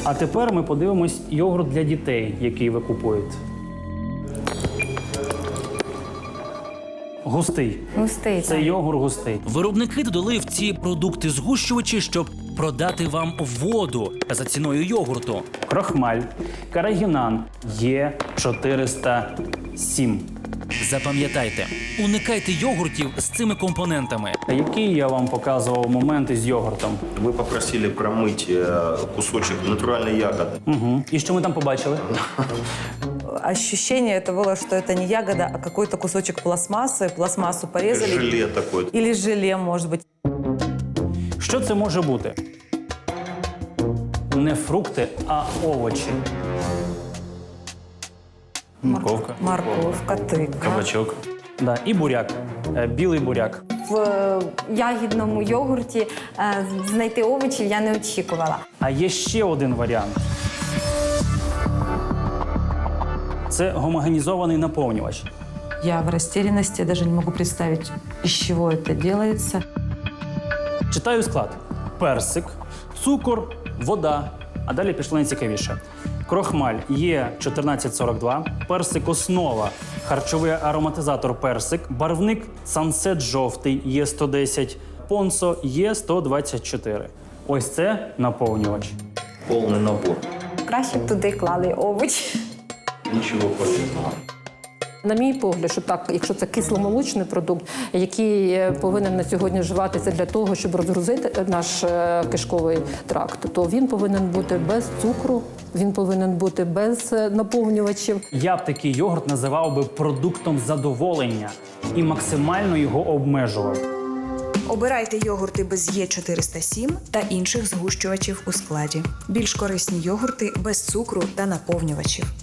А тепер ми подивимось йогурт для дітей, який ви купуєте. Густий. Густий, Це так. йогурт густий. Виробники додали в ці продукти згущувачі, щоб продати вам воду за ціною йогурту. Крохмаль, карагінан, Є407. Запам'ятайте, уникайте йогуртів з цими компонентами. Який я вам показував момент із йогуртом? Вы попросили промыть кусочек натуральной ягоды. Угу. І що ми там побачили? Ощущение это было, что это не ягода, а какой-то кусочек пластмассы. Пластмассу порезали. Желе такое. Или желе, может быть. Що це може бути? Не фрукти, а овочі. Морковка. Морковка, тыква. Кабачок. Да, і буряк. Білий буряк. В ягідному йогурті знайти овочів я не очікувала. А є ще один варіант. Це гомогенізований наповнювач. Я в растерянности, я даже не могу представить, из чего это делается. Читаю склад. Персик, цукор, вода. А далі пішло найцікавіше. Крохмаль Є1442, персик основа, харчовий ароматизатор персик, барвник Сансет жовтий Є110, понсо Є124. Ось це наповнювач. Полный набор. Краще б туди клали овочі. Ничего полезного. На мій погляд, що так, якщо це кисломолочний продукт, який повинен на сьогодні вживатися для того, щоб розгрузити наш кишковий тракт, то він повинен бути без цукру, він повинен бути без наповнювачів. Я б такий йогурт називав би продуктом задоволення і максимально його обмежував. Обирайте йогурти без Є407 та інших згущувачів у складі. Більш корисні йогурти без цукру та наповнювачів.